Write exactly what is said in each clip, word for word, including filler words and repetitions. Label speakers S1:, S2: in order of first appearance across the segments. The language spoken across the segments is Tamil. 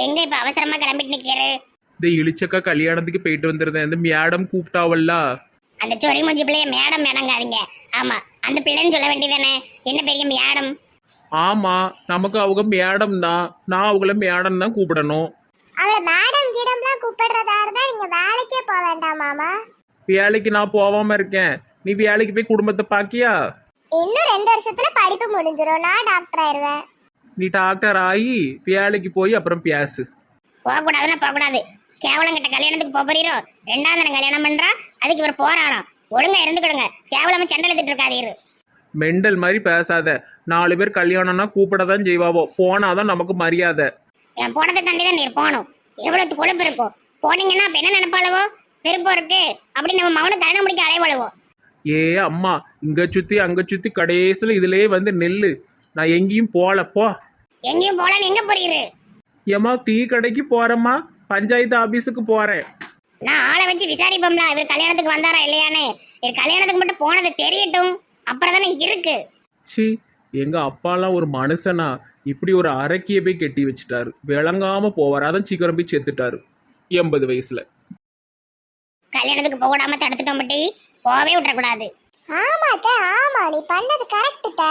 S1: எங்க இப்ப அவசரமா கிளம்பிட்டு நிக்கிறாரு?
S2: இந்த இளிச்சக்கா கல்யாணத்துக்கு போயிட்டு வந்திருந்தேன். இந்த மேடம் கூப்பிட்டாவல்ல.
S1: அந்த சொறி மூஞ்சி பிள்ளைய மேடம் மேடங்காதீங்க. ஆமா, அந்த பிள்ளைன்னு சொல்ல வேண்டியதானே. என்ன பெரிய மேடம்?
S2: ஆமா, நமக்கு அவங்க மேடம் தான். நான் அவங்கள மேடம் தான் கூப்பிடணும்.
S3: அவளை மேடம் கீடம்லாம் கூப்பிடுறதா இருந்தா நீங்க வேலைக்கே போக வேண்டாம் மாமா.
S2: வேலைக்கு நான் போகாம இருக்கேன். நீ வேலைக்கு போய் குடும்பத்தை பாக்கியா?
S3: இன்னும் ரெண்டு வருஷத்துல படிப்பு முடிஞ்சிடும், நான் டாக்டர் ஆயிருவேன்.
S2: நீ டாக்டர் ஆகி வேலைக்கு போய் அப்புறம் பேசு.
S1: போகக்கூடாதுன்னா போகக்கூடாது. கேவலம் கிட்ட கல்யாணத்துக்கு போறீரோ? ரெண்டாவது தினம் கல்யாணம் பண்றா, அதுக்கு இவர் போறாராம். ஒழுங்கா இருந்துக்கிடுங்க, கேவலமா சண்டை எடுத்துட்டு இருக்காதீரு.
S2: மெண்டல் மாதிரி பேசாத. நாலு பேர் கல்யாணம்னா கூப்பிட தான் செய்வாவோ, போனாதான் நமக்கு மரியாதை.
S1: என் போனதை தாண்டி தான் நீர் போகணும். எவ்வளவு கொழுப்பு இருக்கும். போனீங்கன்னா அப்ப என்ன நினைப்பாளவோ? விருப்பம் இருக்கு அப்படி நம்ம மௌன தரண முடிக்க அலைவாளுவோம்.
S2: ஏ அம்மா, இங்க சுத்தி அங்க சுத்தி கடைசியில் இதுலயே வந்து நெல்லு. நான் எங்கேயும் போல. போ.
S1: எங்கேயும் போலன்னு எங்க போறீரு?
S2: ஏமா டீ கடைக்கு போறேம்மா, பஞ்சாயத்து ஆபீஸுக்கு போறேன்.
S1: நான் ஆளை வச்சு விசாரிப்போம்ல இவர் கல்யாணத்துக்கு வந்தாரா இல்லையான்னு. இவர் கல்யாணத்துக்கு மட்டும் போனது தெரியட்டும், அப்புறம் தானே இருக்கு.
S2: சி, எங்க அப்பாலாம் ஒரு மனுஷனா இப்படி ஒரு அரக்கிய போய் கெட்டி வச்சுட்டாரு. விளங்காம போவார், அதான் சீக்கிரம் போய் செத்துட்டாரு எண்பது வயசுல.
S1: கல்யாணத்துக்கு போகாம தடுத்துட்டோம் பட்டி, போகவே விட்டுறக்கூடாது.
S3: ஆமாட்ட, ஆமா நீ பண்ணது கரெக்டுட்ட.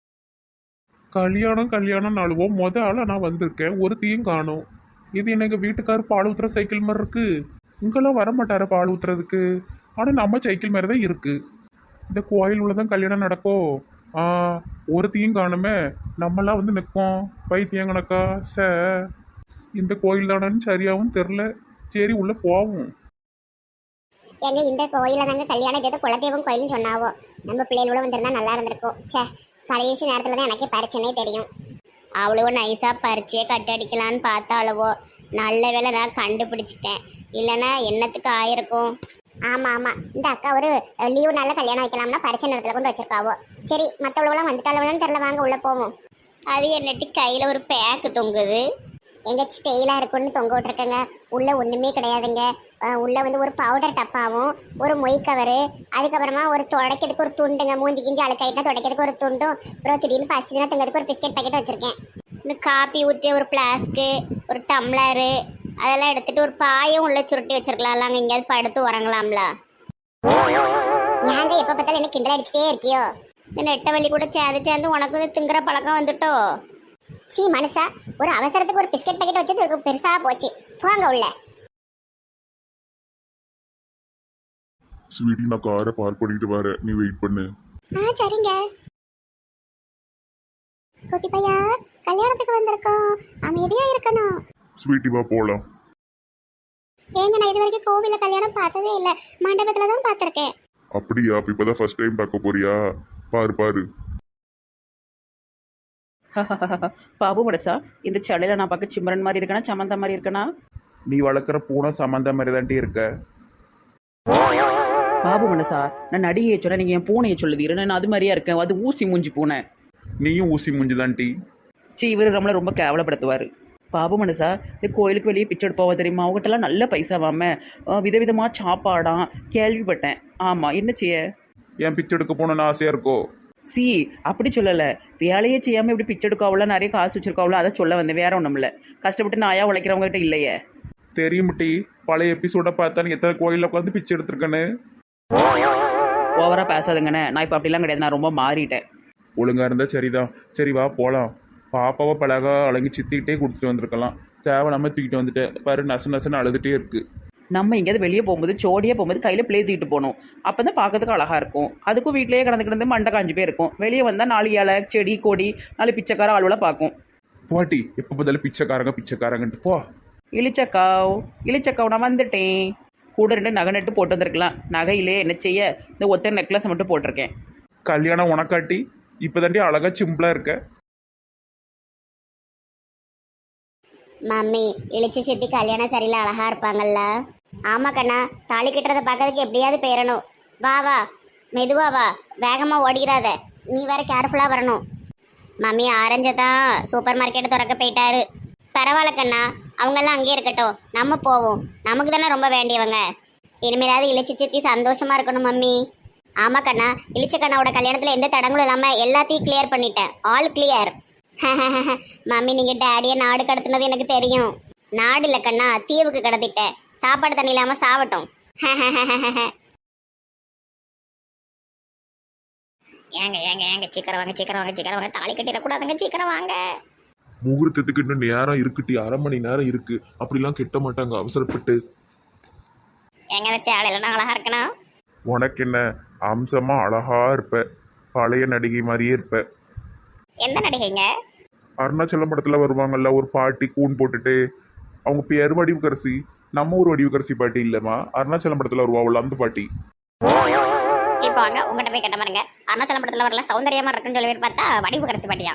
S2: கல்யாணம் கல்யாணம் நாளுவோம் மொத ஆளா நான் வந்திருக்கேன், ஒரு தீயும் காணும். இது எனக்கு வீட்டுக்கார் பால் ஊத்துற சைக்கிள் மாதிரி இருக்கு. இங்கெல்லாம் வரமாட்டாரு பால் ஊத்துறதுக்கு. ஆனா நம்ம சைக்கிள் மாதிரி தான் இருக்கு. இந்த கோயில் உள்ளதான் கல்யாணம் நடக்கும். ஆ, ஒரு தீயும் காணுமே. நம்மளாம் வந்து நிற்கும் பைத்தியம் கணக்கா. ச இந்த கோயில் தானு சரியாகவும் தெரில. சரி உள்ள போவோம்.
S3: எங்க இந்த கோயில தாங்க கல்யாணம் ஏதோ குலதெய்வம் கோயில்னு சொன்னாவோ. நம்ம பிள்ளைகளோட வந்திருந்தா நல்லா இருந்திருக்கும். சே, கடைசி நேரத்துல தான் எனக்கே பரிச்சனே தெரியும்.
S1: அவ்வளோ நைஸா பறிச்சே கட்டடிக்கலான்னு பார்த்தாளவோ. நல்ல வேளை நான் கண்டுபிடிச்சிட்டேன், இல்லைன்னா என்னத்துக்கு ஆயிருக்கும்.
S3: ஆமா ஆமா, இந்த அக்கா ஒரு லீவு நாள்ல கல்யாணம் வைக்கலாம்னா பரிச்சை நேரத்துல கொண்டு வச்சிருக்காவோ. சரி, மற்றவளவுலாம் வந்துட்டாளவளான்னு தெரியல, வாங்க உள்ள போவோம்.
S1: அது என்னட்டி கையில ஒரு பேக்கு தொங்குது.
S3: எங்க ஸ்டெயிலா இருக்குன்னு தொங்க விட்டுருக்கங்க. உள்ள ஒண்ணுமே கிடையாதுங்க. அஹ் உள்ள வந்து ஒரு பவுடர் டப்பாவும் ஒரு மொய் கவரு, அதுக்கப்புறமா ஒரு துடைக்கிறதுக்கு ஒரு துண்டுங்க. மூஞ்சி கிஞ்சி அழுக்காயிட்டா துடைக்கிறதுக்கு ஒரு துண்டும், அப்புறம் திடீர்னு பசிச்சுனா தங்கிறதுக்கு ஒரு பிஸ்கெட் பாக்கெட் வச்சிருக்கேன்.
S1: இன்னும் காப்பி ஊற்றி ஒரு பிளாஸ்க்கு, ஒரு டம்ளரு, அதெல்லாம் எடுத்துட்டு ஒரு பாயும் உள்ள சுருட்டி வச்சிருக்கலாம்ல. அங்கே எங்கேயாவது படுத்து உறங்கலாம்ல.
S3: ஏங்க எப்ப பார்த்தாலும் என்ன கிண்டல் அடிச்சுட்டே இருக்கியோ?
S1: இந்த நெட்டை வலி கூட சேர்ந்து சேர்ந்து உனக்கு இது திங்குற பழக்கம் வந்துட்டோ?
S3: சீ மனுஷா, ஒரு அவசரத்துக்கு ஒரு பிஸ்கெட் பாக்கெட் வச்சது ஒரு பெருசா போச்சு. போங்க உள்ள.
S4: ஸ்வீட்டி, நான் காரை பார்க் பண்ணிட்டு வரேன், நீ வெயிட் பண்ணு.
S3: ஆ சரிங்க. குட்டி பையா, கல்யாணத்துக்கு வந்திருக்கோம், அமைதியா இருக்கணும்.
S4: ஸ்வீட்டி வா போலாம்.
S3: ஏங்க நான் இது வரைக்கும் கோவில்ல கல்யாணம் பார்த்ததே இல்லை, மண்டபத்துல தான் பார்த்துருக்கேன்.
S4: அப்படியா? அப்ப இப்பதான் ஃபர்ஸ்ட் டைம் பார்க்க போறியா? பாரு பாரு.
S5: பாபு மடசா, இந்த சடையில நான் பார்க்க சிம்ரன் மாதிரி இருக்கனா சமந்தா மாதிரி இருக்கனா?
S2: நீ வளர்க்குற பூனை சம்மந்த மாதிரி தாண்டி இருக்க.
S5: பாபு மனசா, நான் நடிகையை சொன்ன நீங்க என் பூனையை சொல்லுவீரு. நான் அது மாதிரியா இருக்கேன். அது ஊசி மூஞ்சி பூனை.
S2: நீயும் ஊசி மூஞ்சி தாண்டி.
S5: சி, இவர் நம்மளை ரொம்ப கேவலப்படுத்துவார். பாபு மனசா, இந்த கோயிலுக்கு வெளியே பிச்சை எடுப்பாவா தெரியுமா? அவங்ககிட்டலாம் நல்ல பைசாவாம, விதவிதமாக சாப்பாடாம் கேள்விப்பட்டேன். ஆமாம், என்ன செய்ய?
S2: என் பிச்சை எடுக்க போகணுன்னு ஆசையாக இருக்கோ?
S5: சி, அப்படி சொல்லலை. வேலையே செய்யாமல் இப்படி பிச்சை எடுக்காவல, நிறைய காசு வச்சுருக்காவல, அதை சொல்ல வந்தேன். வேற ஒன்றும் இல்லை. கஷ்டப்பட்டு நாயா உழைக்கிறவங்க கிட்ட இல்லையே.
S2: தெரியும் டி, பழைய எபிசோட பார்த்தாலும் எத்தனை கோயிலில் உட்காந்து பிச்சை எடுத்திருக்கேன்னு.
S5: ஓவராக பேசாதுங்கண்ணே. நான் இப்போ அப்படிலாம் கிடையாது, நான் ரொம்ப மாறிட்டேன்.
S2: ஒழுங்காக இருந்தால் சரிதான். சரி வா போகலாம். பாப்பாவை பழகா அழகி சித்திக்கிட்டே கொடுத்துட்டு வந்திருக்கலாம். தேவையில்லாமல் தூக்கிட்டு வந்துட்டேன் பாரு, நசு நசுன்னு அழுதுகிட்டே இருக்கு.
S5: நம்ம எங்கேயாவது வெளியே போகும்போது ஜோடியாக போகும்போது கையில் பிளே தூக்கிட்டு போகணும். அப்போ தான் பார்க்கறதுக்கு அழகாக இருக்கும். அதுக்கும் வீட்டிலேயே கிடந்து கிடந்து மண்டை காஞ்சி போய் இருக்கும். வெளியே வந்தால் நாலு இலை செடி கொடி நாலு பிச்சைக்கார ஆளுவெல்லாம் பார்க்கும்.
S2: போட்டி, எப்போ பார்த்தாலும் பிச்சைக்காரங்க பிச்சைக்காரங்கன்ட்டு போ.
S5: இளிச்சக்காவ் இளிச்சக்காவ் நான் வந்துட்டேன். கூட ரெண்டு நகை நட்டு போட்டு வந்திருக்கலாம். நகையிலே என்ன செய்ய, இந்த ஒத்த நெக்லஸ் மட்டும் போட்டிருக்கேன்.
S2: கல்யாணம் உனக்காட்டி இப்போ தாண்டி அழகா சிம்பிளாக இருக்க.
S1: மம்மி, இழிச்சு சித்தி கல்யாணம் சரியில்லை அழகா இருப்பாங்கல்ல? ஆமா கண்ணா, தாலி கட்டுறதை பார்க்கறதுக்கு எப்படியாவது போயிடணும். வா வா, மெதுவா வா, வேகமாக ஓடிக்கிறாத. நீ வேற கேர்ஃபுல்லாக வரணும். மம்மி ஆரஞ்சு தான் சூப்பர் மார்க்கெட்டு திறக்க போயிட்டாரு. பரவாயில்ல கண்ணா, அவங்கெல்லாம் அங்கேயே இருக்கட்டும், நம்ம போவோம். நமக்கு தானே ரொம்ப வேண்டியவங்க. இனிமேலாவது இழிச்சு சித்தி சந்தோஷமா இருக்கணும் மம்மி. ஆமா கண்ணா, இழிச்ச கண்ணாவோட கல்யாணத்தில் எந்த தடங்களும் இல்லாமல் எல்லாத்தையும் கிளியர் பண்ணிட்டேன். All clear. மம்மி, நீங்கள் டேடியை நாடு கடத்துனது எனக்கு தெரியும். நாடு இல்ல கண்ணா, தீவுக்கு கடத்திட்டேன். சாப்பாடு தண்ணி இல்லாம சாவட்டும். ஏங்க ஏங்க ஏங்க சீக்கிரம் வாங்க சீக்கிரம் வாங்க சீக்கிரம் வாங்க, தாலி கட்டிடக்கூடாதுங்க, சீக்கிரம் வாங்க.
S2: முகூர்த்தத்துக்கு இன்னும் நேரம் இருக்குட்டி, அரை மணி நேரம் இருக்கு. அப்படிலாம் கெட்ட மாட்டாங்க அவசரப்பட்டு.
S1: எங்க வச்சு ஆளையில அழகா இருக்கணும்.
S2: உனக்கு என்ன, அம்சமா அழகா இருப்ப, பழைய நடிகை மாதிரியே இருப்ப.
S1: எந்த நடிகைங்க?
S2: அருணாச்சலம் படத்துல வருவாங்கல்ல ஒரு பாட்டி கூன் போட்டுட்டு, அவங்க பேர் வடிவுக்கரசி. நம்ம ஒரு வடிவுக்கரசி பாட்டி இல்லம்மா, அருணாச்சலம் படத்துல வருவாள் அந்த பாட்டி.
S1: சீப்பாங்க உங்ககிட்ட போய் கட்ட பாருங்க. அருணாச்சலம் படத்துல வரல சௌந்தரியமா இருக்குன்னு சொல்லி பார்த்தா வடிவு கரைசி பாட்டியா.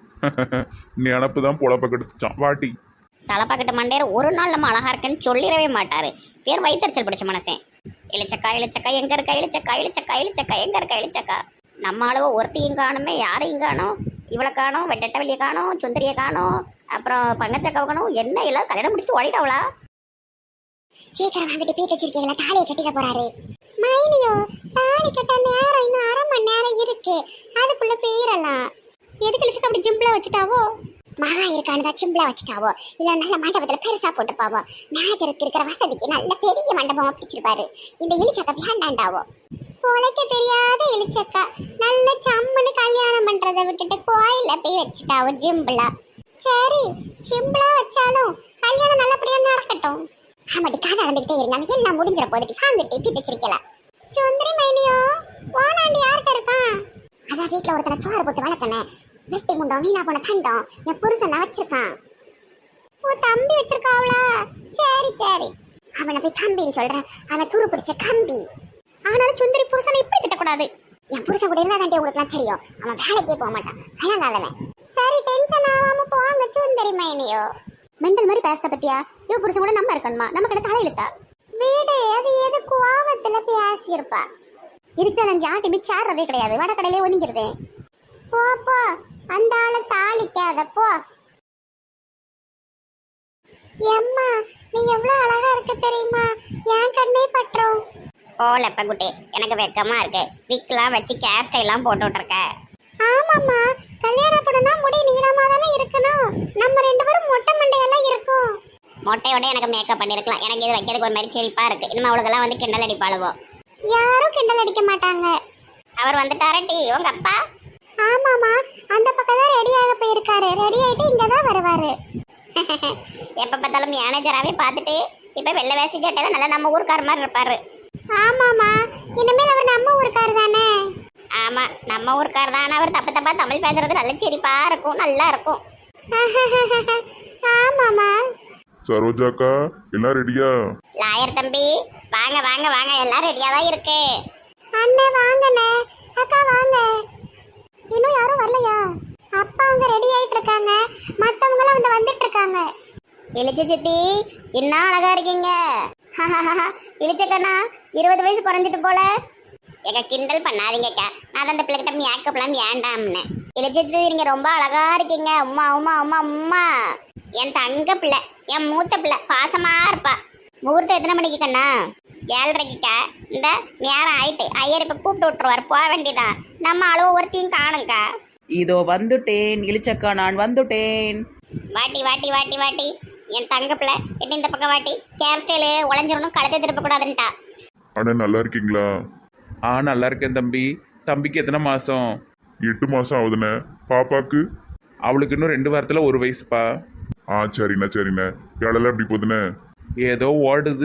S2: நினப்பு தான் பொழப்ப கெடுத்துச்சான் வாட்டி.
S1: தலைப்பாக்கிட்ட மண்டையர் ஒரு நாள் நம்ம அழகா இருக்குன்னு சொல்லிடவே மாட்டாரு. பேர் வைத்தறிச்சல் பிடிச்ச மனசேன். இழிச்சக்கா இழிச்சக்கா எங்க இருக்கா, இழிச்சக்கா இழிச்சக்கா இழிச்சக்கா எங்க இருக்கா, இழிச்சக்கா. நம்ம அளவு ஒருத்தையும் காணுமே, யாரையும் காணும். இவளை காணும், வெட்டட்ட வெளியே காணும், சுந்தரியை காணும், அப்புறம் பங்கச்சக்காவை காணும். என்ன எல்லாரும் கல்யாணம் முடிச்சுட்டு ஓடிட்டாவளா?
S3: சீக்கிரம் வாங்கிட்டு பீட்டு வச்சிருக்கீங்களா, தாலியை கட்டிட போறாரு. மைனியோ, தாலி கட்ட நேரம் இன்னும் அரை மணி நேரம் இருக்கு, அதுக்குள்ள போயிடலாம்.
S1: எதுக்கு இழிச்சக்கா அப்படி ஜிம்பிளா வச்சுட்டாவோ?
S3: மகா இருக்கானதா சிம்பிளா வச்சுட்டாவோ, இல்ல நல்ல மண்டபத்துல பெருசா போட்டுப்பாவோ. மேனேஜருக்கு இருக்கிற வசதிக்கு நல்ல பெரிய மண்டபமா பிடிச்சிருப்பாரு. இந்த இழிச்சக்கா வேண்டாண்டாவோ. உழைக்க தெரியாத இழிச்சக்கா நல்ல சம்மனு கல்யாணம் பண்றதை விட்டுட்டு கோயில போய் வச்சுட்டாவோ ஜிம்பிளா. சரி சிம்பிளா வச்சாலும் கல்யாணம் நல்லபடியா நடக்கட்டும். ஆமாட்டி கதை நடந்துகிட்டே இருந்தாலும் எல்லாம் முடிஞ்சிட போதுட்டி, வாங்கிட்டு பீட்டு வச்சிருக்கலாம். சுந்தரி மைனியோ, வானாண்டி யார்கிட்ட இருக்கான்? அதான் வீட்டுல ஒருத்தனை சோறு போட்டு வளர்க்கணே, வெட்டி முண்டம் வீணா போன தண்டம் என் புருஷன் தான் வச்சிருக்கான். ஓ தம்பி வச்சிருக்காவளா? சரி சரி, அவனை போய் தம்பின்னு சொல்றேன், அவன் துரு பிடிச்ச கம்பி.
S1: ஆனாலும் சுந்தரி புருஷனை இப்படி திட்டக்கூடாது.
S3: என் புருஷன் கூட இருந்தா தாண்டி உங்களுக்கு தெரியும், அவன் வேலைக்கே போக மாட்டான், வேணாங்காதவன். சரி டென்ஷன் ஆகாம போவாங்க சுந்தரி மைனியோ.
S1: மெண்டல் மாதிரி பேச பத்தியா? இவ புருஷன் கூட நம்ம இருக்கணுமா? நம்ம கிட்ட தலை இழுத்தா
S3: வீடு அது எது கோவத்துல பேசியிருப்பா.
S1: இதுக்கு நான் ஜாட்டி சேர்றதே கிடையாது, வடக்கடையிலே ஒதுங்கிருவேன்.
S3: போ போ, அந்த ஆளை தாளிக்காத போ. எம்மா நீ எவ்வளவு அழகா இருக்க தெரியுமா, என் கண்ணே பற்றோம்.
S1: போல குட்டி, எனக்கு வெக்கமா இருக்கு. விக்லாம் வச்சு கேர் ஸ்டைலாம் போட்டு விட்டுருக்க.
S3: ஆமாம்மா, கல்யாணம் பண்ணா முடி நீளமா தானே இருக்கணும், நம்ம ரெண்டு பேரும் மொட்டை மண்டையெல்லாம் இருக்கும்.
S1: மொட்டையோட எனக்கு மேக்கப் பண்ணிருக்கலாம். எனக்கு இது வைக்கிறதுக்கு ஒரு மாதிரி செழிப்பா இருக்கு. இனிமே அவளுக்கெல்லாம் வந்து கிண்டல் அடிப்பாளுவோ.
S3: யாரும் கிண்டல் அடிக்க மாட்டாங்க.
S1: அவர் வந்துட்டாரா டி உங்க அப்பா?
S3: ஆமாமா, அந்த பக்கம் தான் ரெடி ஆக போயிருக்காரு, ரெடி ஆயிட்டு இங்கதான் வருவாரு.
S1: எப்ப பார்த்தாலும் மேனேஜராகவே பார்த்துட்டு இப்ப வெள்ளை வேஷ்டி சட்டையில நல்லா நம்ம ஊருக்கார மாதிரி இருப்பாரு.
S3: ஆமாமா, இனிமேல் அவர் நம்ம ஊருக்காரு தானே.
S1: ஆமா நம்ம ஊருக்கார தான். அவர் தப்பு தப்பா தமிழ் பேசுறது நல்ல சிரிப்பா இருக்கும், நல்லா இருக்கும்.
S3: ஆமாமா.
S4: சரோஜாக்கா எல்லாம் ரெடியா?
S1: லாயர் தம்பி வாங்க வாங்க வாங்க, எல்லாம் ரெடியா தான் இருக்கு.
S3: அண்ணே வாங்கண்ணே, அக்கா வாங்க. இன்னும் யாரும் வரலையா? அப்பா அவங்க ரெடி ஆயிட்டு இருக்காங்க, மத்தவங்களும் வந்து வந்துட்டு இருக்காங்க.
S1: இளிச்ச சித்தி என்ன அழகா இருக்கீங்க. இளிச்சக்கண்ணா இருபது வயசு குறைஞ்சிட்டு போல. எங்க கிண்டல் பண்ணாதீங்கக்கா, நான் அந்த பிள்ளைகிட்ட மேக்கப்லாம் வேண்டாம்னு. இளிச்சத்தி நீங்க ரொம்ப அழகா இருக்கீங்க. உமா உமா உமா உமா, என் தங்க பிள்ளை, என் மூத்த பிள்ளை, பாசமா இருப்பா. முகூர்த்தம் எத்தனை மணிக்கு கண்ணா? ஏழரைக்குக்கா. இந்த நேரம் ஆயிட்டு, ஐயர் இப்ப கூப்பிட்டு விட்டுருவார், போக வேண்டியதான். நம்ம அளவு ஒருத்தையும் காணுங்கக்கா.
S5: இதோ வந்துட்டேன் இளிச்சக்கா, நான் வந்துட்டேன்.
S1: வாட்டி வாட்டி வாட்டி வாட்டி என் தங்க பிள்ளை, எட்டு இந்த பக்கம் வாட்டி. கேர் ஸ்டைலு உழைஞ்சிடணும், கழுத்தை திருப்ப கூடாதுன்ட்டா.
S4: அண்ணா நல்லா இருக்கீங்களா?
S2: ஆ நல்லா இருக்கேன் தம்பி. தம்பிக்கு எத்தனை மாசம்?
S4: எட்டு மாசம் ஆகுதுண்ணே. பாப்பாக்கு?
S2: அவளுக்கு இன்னும் ரெண்டு வாரத்துல ஒரு வயசுப்பா.
S4: ஆ சரிண்ணே சரிண்ணே. வேலைலாம் எப்படி போகுதுண்ணே?
S2: ஏதோ ஓடுது.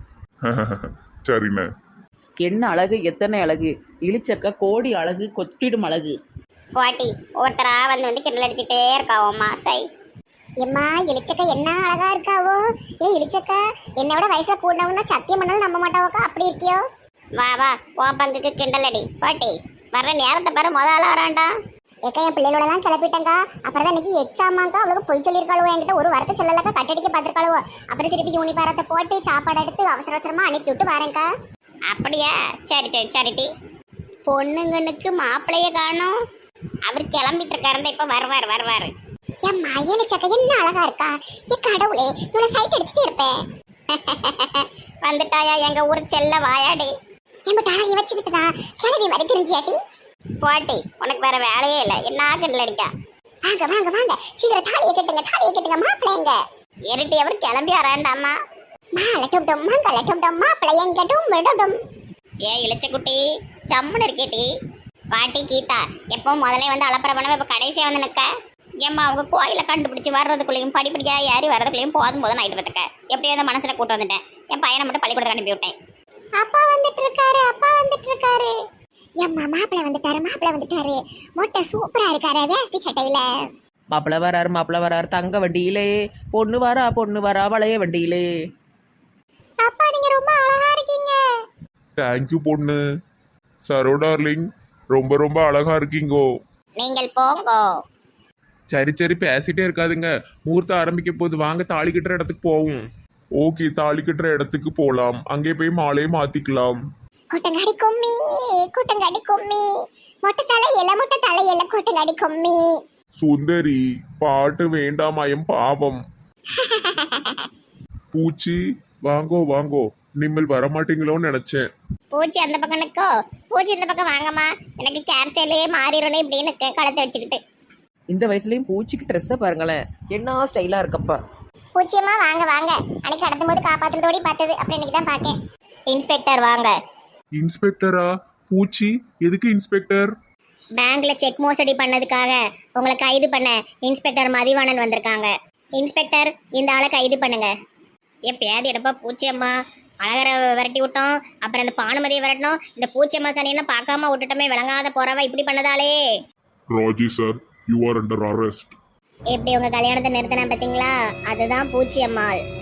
S4: சரிண்ணே.
S5: என்ன அழகு, எத்தனை அழகு! இளிச்சக்கா கோடி அழகு, கொத்திடும் அழகு.
S1: வாட்டி ஒருத்தரா வந்து வந்து கிண்டல் அடிச்சுட்டே இருக்காவோம்மா. சை
S3: எம்மா இளிச்சக்கா என்ன அழகா இருக்காவோ. ஏ இளிச்சக்கா, என்னை விட வயசுல கூடவங்கன்னா சத்தியம் பண்ணாலும் நம்ப மாட்டாவோக்கா, அப்படி இருக்கியோ.
S1: வா வா, உன் பங்குக்கு கிண்டல் அடி. பாட்டி வர்ற நேரத்தை பாரு, முத ஆளா வரான்டா.
S3: ஏக்கா என் பிள்ளைகளோட எல்லாம் கிளப்பிட்டேங்க்கா. அப்புறம் தான் இன்னைக்கு எக்ஸாமாக்கா, அவளுக்கு பொய் சொல்லியிருக்காளுவோ, என்கிட்ட ஒரு வாரத்தை சொல்லலக்கா, கட்டடிக்க பார்த்துருக்காளுவோ. அப்புறம் திருப்பி யூனிபாரத்தை போட்டு சாப்பாடு எடுத்து அவசர அவசரமா அனுப்பி விட்டு வரேன்க்கா.
S1: அப்படியா? சரி சரி சரிட்டி. பொண்ணுங்கனுக்கு மாப்பிள்ளைய காணும், அவர் கிளம்பிட்டு இருக்காருந்த, இப்ப வருவார் வருவாரு.
S3: என் மயிலிச்சக்கா என்ன அழகா இருக்கா. ஏ கடவுளே, இவ்வளவு சைட் அடிச்சுட்டு இருப்பேன்.
S1: வந்துட்டாயா எங்க ஊர் செல்ல வாயாடி.
S3: என் அழகை வச்சுக்கிட்டுதான் கிளவி மாதிரி தெரிஞ்சியாட்டி.
S1: பாட்டி உனக்கு வேற வேலையே இல்லை, என்ன கிண்டல் அடிக்கா.
S3: வாங்க வாங்க வாங்க, சீக்கிரம் தாலியை கட்டுங்க, தாலியை கட்டுங்க. மாப்பிள்ளைங்க
S1: இருட்டி அவர் கிளம்பி வராண்டாமா.
S3: மாலட்டும் கலட்டும் மாப்பிள்ளையங்கட்டும் விடட்டும்.
S1: ஏ இளைச்சக்குட்டி சம்முன்னு இருக்கேட்டி. பாட்டி கீதா எப்போ முதல்ல வந்து அலப்பறை பண்ணவே இப்போ கடைசியாக வந்து நிற்க. ஏம்மா அவங்க கோயிலை கண்டுபிடிச்சி வர்றதுக்குள்ளேயும் படிப்படியாக ஏறி வர்றதுக்குள்ளேயும் போதும் போதும் ஆகிட்டு பார்த்துக்க. எப்படியோ அந்த மனசில் கூட்டு வந்துட்டேன். என் பையனை மட்டும் பள்ளிக்கூடத்தை அனுப்பி விட்டேன்.
S3: அப்பா வந்துட்டு இருக்காரு அப்பா வந்துட்டு இருக்காரு. எம்மா மாப்பிள்ளை வந்துட்டாரு மாப்பிள்ளை வந்துட்டாரு. மொட்டை சூப்பரா இருக்காரு வேஷ்டி சட்டையில.
S5: மாப்பிள்ள வராரு மாப்பிள்ள வராரு தங்க வண்டியிலே, பொண்ணு வரா பொண்ணு வரா வளைய வண்டியிலே.
S3: அப்பா நீங்க ரொம்ப அழகா இருக்கீங்க.
S2: தேங்க்யூ பொண்ணு. சரோ டார்லிங் ரொம்ப ரொம்ப அழகா இருக்கீங்கோ.
S1: நீங்கள் போங்கோ.
S2: சரி சரி பேசிட்டே இருக்காதுங்க. முகூர்த்தம் ஆரம்பிக்க போது வாங்க தாலி கட்டுற இடத்துக்கு போவோம். ஓகே தாலி கட்டுற இடத்துக்கு போகலாம். அங்கே போய் மாலையை மாத்திக்கலாம்.
S3: கொட்டங்காடி கும்மி கொட்டங்காடி கும்மி மொட்டை தலை இல மொட்டை தலை இல கொட்டங்காடி கும்மி.
S2: சுந்தரி பாட்டு வேண்டாமாயம் பாவம். பூச்சி வாங்கோ வாங்கோ. நீங்கள் வரமாட்டீங்களோன்னு நினைச்சேன்.
S1: பூச்சி அந்த பக்கம் நிற்கோ. பூச்சி இந்த பக்கம் வாங்கம்மா. எனக்கு கேர் ஸ்டைலே மாறிடணும் இப்படின்னு நிற்க கழுத்தை வச்சுக்கிட்டு.
S5: இந்த வயசுலயும் பூச்சிக்கு ட்ரெஸ்ஸை பாருங்களேன், என்ன ஸ்டைலா இருக்கப்பா.
S3: பூச்சியம்மா வாங்க வாங்க. அன்னைக்கு கடத்தும் போது காப்பாத்துறதோடி பார்த்தது அப்புறம் இன்னைக்கு தான் பார்க்கேன்.
S1: இன்ஸ்பெக்டர் வாங்க.
S2: இன்ஸ்பெக்டரா? பூச்சி எதுக்கு இன்ஸ்பெக்டர்?
S1: பேங்க்ல செக் மோசடி பண்ணதுக்காக உங்களை கைது பண்ண இன்ஸ்பெக்டர் மதிவாணன் வந்திருக்காங்க. இன்ஸ்பெக்டர் இந்த ஆளை கைது பண்ணுங்க. எப்பயாவது எடுப்பா பூச்சியம்மா அழகரை விரட்டி விட்டோம், அப்புறம் இந்த பானுமதியை விரட்டணும். இந்த பூச்சியம்மா சனியெல்லாம் பார்க்காம விட்டுட்டோமே விளங்காத போறவ இப்படி பண்ணதாலே.
S4: Raji sir, you are under arrest.
S1: எப்படி உங்க கல்யாணத்தை நிறுத்தின பார்த்தீங்களா? அதுதான் பூச்சியம்மாள்.